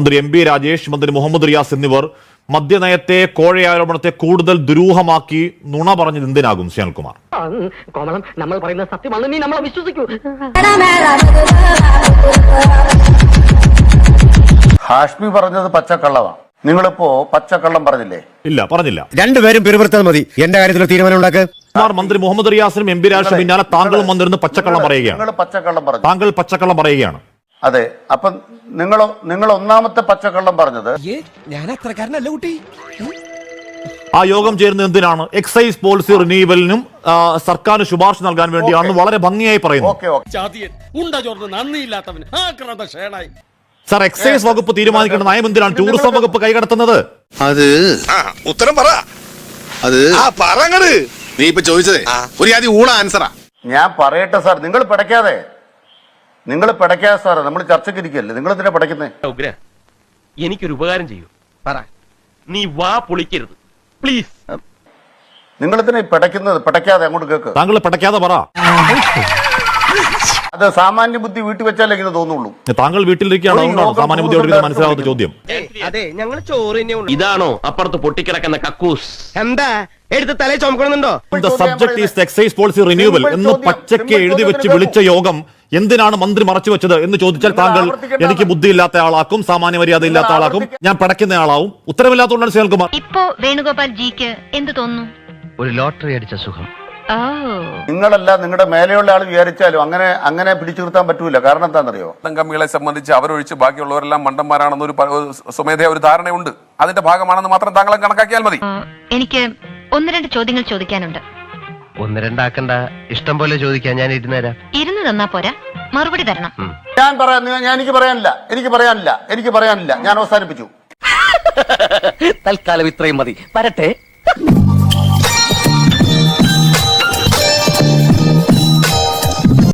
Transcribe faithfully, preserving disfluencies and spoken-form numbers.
മന്ത്രി M B Rajesh, മന്ത്രി മുഹമ്മദ് റിയാസ് എന്നിവർ മദ്യനയത്തെ, കോഴയാരോപണത്തെ കൂടുതൽ ദുരൂഹമാക്കി നുണ പറഞ്ഞത് എന്തിനാകും ശ്യാൽകുമാർ? കോമളം, നമ്മൾ പറയുന്ന സത്യമാണ്, നീ നമ്മളെ വിശ്വസിക്കൂ. ഹാഷ്മി പറഞ്ഞത് പച്ചക്കള്ളമാണ്. നിങ്ങളിപ്പോ പച്ചക്കള്ളം പറഞ്ഞില്ലേ? ഇല്ല, പറഞ്ഞില്ല. രണ്ടുപേരും പിറുപിറുത്താൽ മതി. എന്റെ കാര്യത്തിൽ തീരുമാനം ഉണ്ടാക്കുക. മന്ത്രി മുഹമ്മദ് റിയാസിനും എം ബി രാജേഷിനും പിന്നാലെ താങ്കളും വന്നിരുന്ന് പച്ചക്കള്ളം പറയുകയാണ്. നിങ്ങൾ പച്ചക്കള്ളം പറഞ്ഞു. താങ്കൾ പച്ചക്കള്ളം പറയുകയാണ്. അതെ. അപ്പൊ നിങ്ങൾ നിങ്ങൾ ഒന്നാമത്തെ പച്ചക്കള്ളം പറഞ്ഞത് ഞാൻ അത്രക്കാരനല്ല കുട്ടി. ആ യോഗം ചേരുന്നത് എന്തിനാണ്? എക്സൈസ് പോളിസി റിന്യൂവലിനും സർക്കാരിന് ശുപാർശ നൽകാൻ വേണ്ടിയാണെന്ന് വളരെ ഭംഗിയായി പറയുന്നു. സർ, എക്സൈസ് വകുപ്പ് തീരുമാനിക്കേണ്ട നയം എന്തിനാണ് ടൂറിസം വകുപ്പ് കൈകടത്തുന്നത്? അത് ഉത്തരം പറ. അത് നീ ഇപ്പൊ ചോദിച്ചതേ ഒരു ആദ്യം ഊണ ആൻസറാ. ഞാൻ പറയട്ടെ സാർ, നിങ്ങൾ പിടയ്ക്കാതെ നിങ്ങൾ പിടയ്ക്കാതെ സാർ, നമ്മൾ ചർച്ചയ്ക്ക് ഇരിക്കല്ലേ, നിങ്ങൾ എന്തിനാ പിടയ്ക്കുന്നേ? എനിക്കൊരു ഉപകാരം ചെയ്യൂ, പറ. നീ വാ പൊളിക്കരുത് പ്ലീസ്. നിങ്ങൾ എന്തിനാ പിടയ്ക്കുന്നത്? പിടയ്ക്കാതെ അങ്ങോട്ട് കേക്ക്. താങ്കൾ പിടയ്ക്കാതെ പറ. അത് സാമാന്യ ബുദ്ധി വീട്ടിൽ വെച്ചാലേ ഇങ്ങനെ തോന്നുള്ളൂ. താങ്കൾ വീട്ടിലിരിക്കുകയാണോ? സാമാന്യ ബുദ്ധിയോട് മനസ്സിലാവാത്ത ചോദ്യം. അതെ, ഞങ്ങൾ ചോറ് ഇതാണോ അപ്പുറത്ത് പൊട്ടിക്കിടക്കുന്ന കക്കൂസ്? എന്താ എടുത്ത് തലേ ചുമക്കണമെന്നുണ്ടോ? The subject is the excise policy renewal എന്ന് പച്ചയ്ക്ക് എഴുതി വെച്ച് വിളിച്ച യോഗം എന്തിനാണ് മന്ത്രി മറച്ചു വെച്ചത് എന്ന് ചോദിച്ചാൽ താങ്കൾ എനിക്ക് ബുദ്ധിയില്ലാത്ത ആളാക്കും, സാമാന്യ മര്യാദ ഇല്ലാത്ത ആളാക്കും, ഞാൻ പടയ്ക്കുന്ന ആളാവും. ഉത്തരവില്ലാത്തതുകൊണ്ടാണ് ശ്രീകുമാർ. ഇപ്പോ വേണുഗോപാൽ ജിക്ക് എന്ത് തോന്നുന്നു? ഒരു ലോട്ടറി അടിച്ച സുഖം. നിങ്ങളല്ല, നിങ്ങളുടെ മേലെയുള്ള ആൾ വിചാരിച്ചാലും അങ്ങനെ അങ്ങനെ പിടിച്ചു നിർത്താൻ പറ്റൂല. കാരണം എന്താണെന്നറിയോ? കമ്മികളെ സംബന്ധിച്ച് അവരൊഴിച്ച് ബാക്കിയുള്ളവരെല്ലാം മണ്ടന്മാരാണെന്നൊരു സ്വമേധയാ ഒരു ധാരണയുണ്ട്. അതിന്റെ ഭാഗമാണെന്ന് മാത്രം താങ്കളെ കണക്കാക്കിയാൽ മതി. എനിക്ക് ഒന്ന് രണ്ട് ചോദ്യങ്ങൾ ചോദിക്കാനുണ്ട്. ഒന്ന് രണ്ടാക്കണ്ട, ഇഷ്ടം പോലെ ചോദിക്കാൻ ഞാൻ ഇരുന്ന് തരാം. ഇരുന്ന് തന്നാ പോരാ, മറുപടി തരണം. ഞാൻ പറയാൻ ഞാൻ എനിക്ക് പറയാനില്ല എനിക്ക് പറയാനില്ല എനിക്ക് പറയാനില്ല ഞാൻ അവസാനിപ്പിച്ചു. തൽക്കാലം ഇത്രയും മതി. വരട്ടെ.